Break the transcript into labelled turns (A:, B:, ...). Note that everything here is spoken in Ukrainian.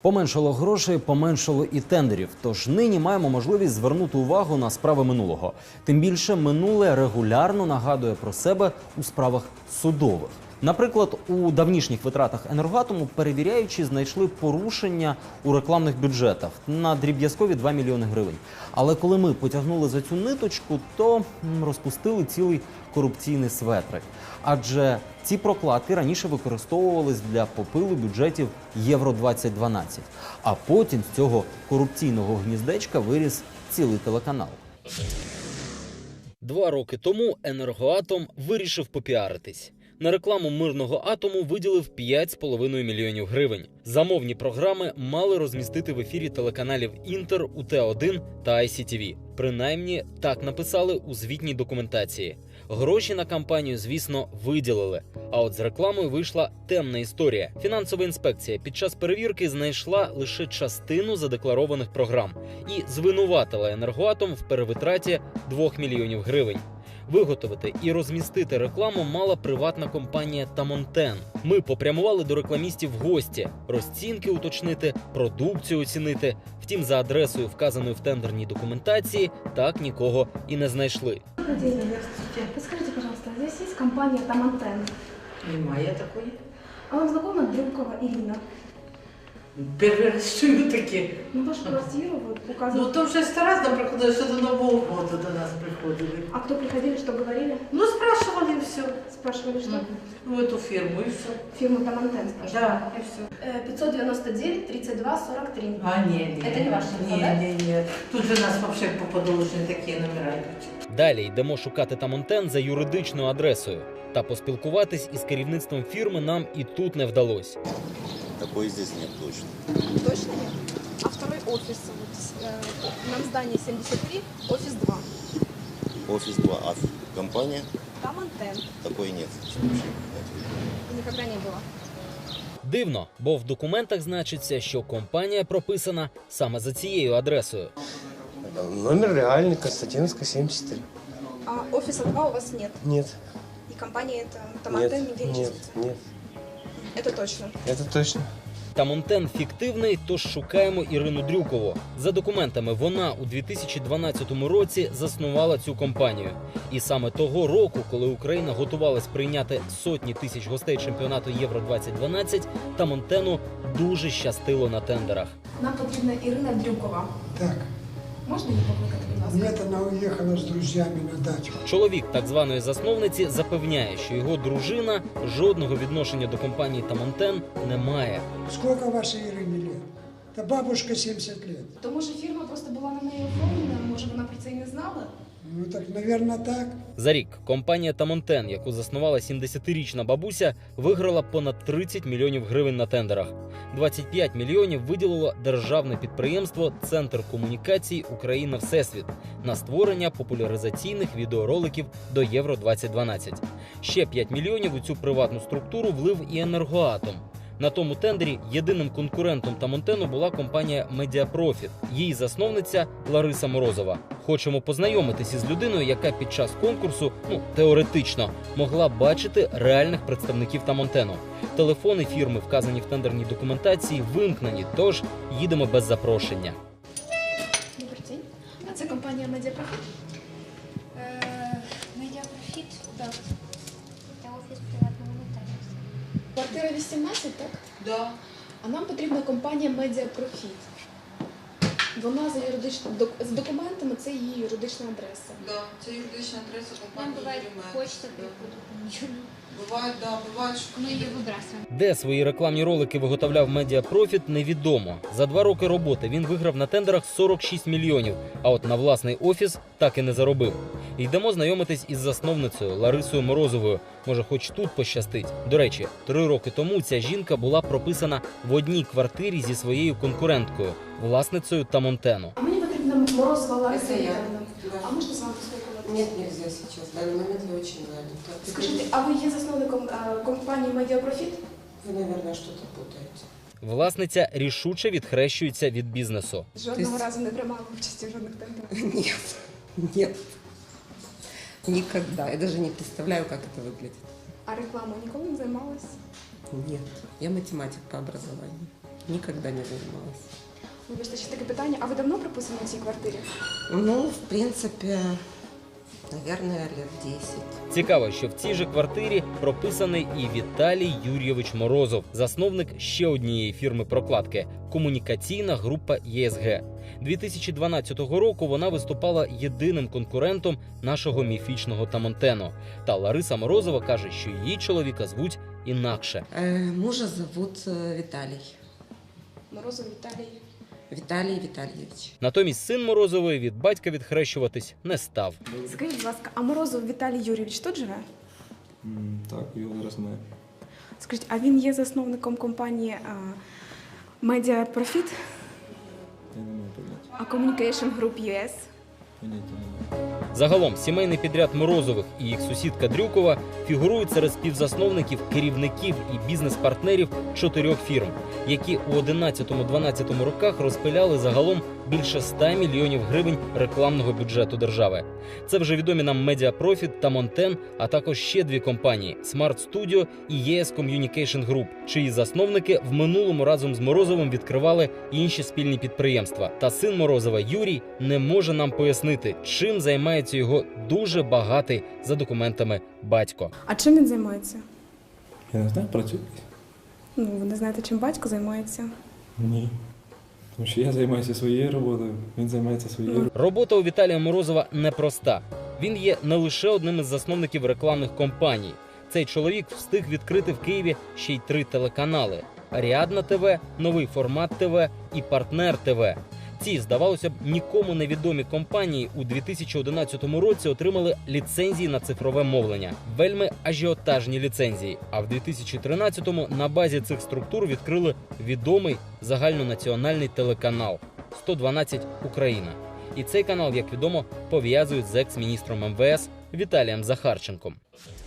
A: Поменшало грошей, поменшало і тендерів. Тож нині маємо можливість звернути увагу на справи минулого. Тим більше минуле регулярно нагадує про себе у справах судових. Наприклад, у давнішніх витратах «Енергоатому» перевіряючі знайшли порушення у рекламних бюджетах на дріб'язкові 2 мільйони гривень. Але коли ми потягнули за цю ниточку, то розпустили цілий корупційний светрик. Адже ці прокладки раніше використовувались для попилу бюджетів Євро-2012. А потім з цього корупційного гніздечка виріс цілий телеканал. 2 роки тому «Енергоатом» вирішив попіаритись. На рекламу мирного атому виділив 5,5 мільйонів гривень. Замовні програми мали розмістити в ефірі телеканалів «Інтер», УТ-1 та ICTV. Принаймні, так написали у звітній документації. Гроші на кампанію, звісно, виділили. А от з рекламою вийшла темна історія. Фінансова інспекція під час перевірки знайшла лише частину задекларованих програм і звинуватила «Енергоатом» в перевитраті 2 мільйонів гривень. Виготовити і розмістити рекламу мала приватна компанія «Тамонтен». Ми попрямували до рекламістів в гості, розцінки уточнити, продукцію оцінити. Втім, за адресою, вказаною в тендерній документації, так нікого і не знайшли.
B: Подскажите, пожалуйста, здесь есть компания «Тамонтен»?
C: Немає такої.
B: А вам знакома Дрюкова Ирина?
C: Перший раз чую таке.
B: Ну, вашу квартиру вот
C: Ну,
B: указано.
C: то вже сто раз нам приходили, що до Нового року до нас приходили.
B: А кто приходили, что говорили?
C: Ну, спрашивали все.
B: Спрашивали, что?
C: Ну, эту фирму и все.
B: Фирму «Тамонтен» спрашивали?
C: Да, и все.
B: 599 32 43.
C: А, ні.
B: Это не ваш телефон, да?
C: Ні. Тут же нас вообще по подолжні такі номера йдуть.
A: Далі йдемо шукати «Тамонтен» за юридичною адресою. Та поспілкуватись із керівництвом фірми нам і тут не вдалося.
D: Такой здесь нет точно.
E: Точно нет? А второй офис, вот, на здании 73, офис 2.
D: Офис 2, а компания
E: Там антенн.
D: такой нет.
E: Никогда не было.
A: Дивно, бо в документах значиться, що компанія прописана саме за цією адресою.
F: Номер реальный, Константиновская, 73.
E: А офиса 2 у вас нет?
F: Нет,
E: И компания это там антенн нигде не
F: нет,
E: числится?
F: нет,
E: Это точно.
F: это точно.
A: «Тамонтен» фіктивний, тож шукаємо Ірину Дрюкову. За документами, вона у 2012 році заснувала цю компанію. І саме того року, коли Україна готувалась прийняти сотні тисяч гостей чемпіонату Євро-2012, «Тамонтену» дуже щастило на тендерах.
B: Нам потрібна Ірина Дрюкова.
G: Так.
B: Можна її покликати, будь ласка?
G: Нет, она уехала с друзьями на дачу.
A: Чоловік так званої засновниці запевняє, що його дружина жодного відношення до компанії «Тамонтен» не має.
G: Сколько вашей Ирине лет? Да бабушка 70 лет.
B: То може фірма просто була на неї оформлена, може вона про це і не знала?
G: Ну так, наверное, так.
A: За рік компанія «Тамонтен», яку заснувала 70-річна бабуся, виграла понад 30 мільйонів гривень на тендерах. 25 мільйонів виділило державне підприємство «Центр комунікацій Україна-Всесвіт» на створення популяризаційних відеороликів до Євро-2012. Ще 5 мільйонів у цю приватну структуру влив і «Енергоатом». На тому тендері єдиним конкурентом «Тамонтену» була компанія «Медіапрофіт». Її засновниця Лариса Морозова. Хочемо познайомитися із людиною, яка під час конкурсу, теоретично, могла бачити реальних представників «Тамонтену». Телефони фірми, вказані в тендерній документації, вимкнені, тож їдемо без запрошення.
B: Добрий день. А це компанія «Медіапрофіт»?
H: Медіапрофіт, так. Це офіс приватного нотаріуса.
B: Квартира 18, так?
C: Да.
B: А нам потрібна компанія «Медіапрофіт». Вона з документами, це її юридична адреса.
C: Да, це юридична адреса
H: Нам
C: компанії
H: бывает
C: «Юрімед».
H: почта приходит, ничего.
C: Буває, да, буває, що
H: Мы ее выбрасываем.
A: Де свої рекламні ролики виготовляв «Медіапрофіт» – невідомо. За 2 роки роботи він виграв на тендерах 46 мільйонів, а от на власний офіс так і не заробив. Йдемо знайомитись із засновницею Ларисою Морозовою. Може, хоч тут пощастить. До речі, 3 роки тому ця жінка була прописана в одній квартирі зі своєю конкуренткою, власницею «Тамонтену».
B: А мені потрібна Морозова Лариса
C: Це я.
B: Віталіївна.
C: Да.
B: А можна з вами поспілкуватися?
I: Нет, нельзя сейчас. В данный момент я очень занята.
B: Скажіть, а ви є засновником компанії «Медіапрофіт»?
I: Вы, наверное, что-то путаете.
A: Власниця рішуче відхрещується від бізнесу.
B: Жодного разу не приймала участі в жодних тендерах.
I: Нет, нет. Никогда. Я даже не представляю, как это выглядит.
B: А рекламою ніколи не займалась?
I: Нет. Я математик по образованию. Никогда не занималась.
E: Вибачте, ще таке питання. А ви давно прописані в цій квартирі?
I: Ну, в принципе, наверное, лет 10.
A: Цікаво, що в цій же квартирі прописаний і Віталій Юрійович Морозов, засновник ще однієї фірми прокладки – комунікаційна група ЄСГ. 2012 року вона виступала єдиним конкурентом нашого міфічного Тамонтено. Та Лариса Морозова каже, що її чоловіка звуть інакше.
I: Мужа зовут Виталий.
E: Морозов Віталій.
I: Виталий Витальевич.
A: Натомість син Морозової від батька відхрещуватись не став.
E: Скажіть, будь ласка, а Морозов Віталій Юрійович тут живе?
J: Так, його зараз немає.
E: Скажіть, а він є засновником компанії Media Profit,
J: Я не маю поняття.
E: а Communication Group US?
J: Поняття немає.
A: Загалом сімейний підряд Морозових і їх сусідка Дрюкова фігурують серед співзасновників, керівників і бізнес-партнерів 4 фірм, які у 11-12 роках розпиляли загалом більше 100 мільйонів гривень рекламного бюджету держави. Це вже відомі нам Media Profit та Монтен, а також ще 2 компанії – Smart Studio і ES Communication Group, чиї засновники в минулому разом з Морозовим відкривали інші спільні підприємства. Та син Морозова Юрій не може нам пояснити, чим займається його дуже багатий за документами батько.
E: А чим він займається?
J: Я не знаю, працюю.
E: Ну, ви не знаєте, чим батько займається?
J: Ні. Тому що я займаюся своєю роботою, він займається своєю.
A: Робота у Віталія Морозова непроста. Він є не лише одним із засновників рекламних компаній. Цей чоловік встиг відкрити в Києві ще й 3 телеканали – Аріадна ТВ, Новий формат ТВ і Партнер ТВ. Ці, здавалося б, нікому невідомі компанії у 2011 році отримали ліцензії на цифрове мовлення. Вельми ажіотажні ліцензії. А в 2013-му на базі цих структур відкрили відомий загальнонаціональний телеканал «112 Україна». І цей канал, як відомо, пов'язують з екс-міністром МВС Віталієм Захарченком.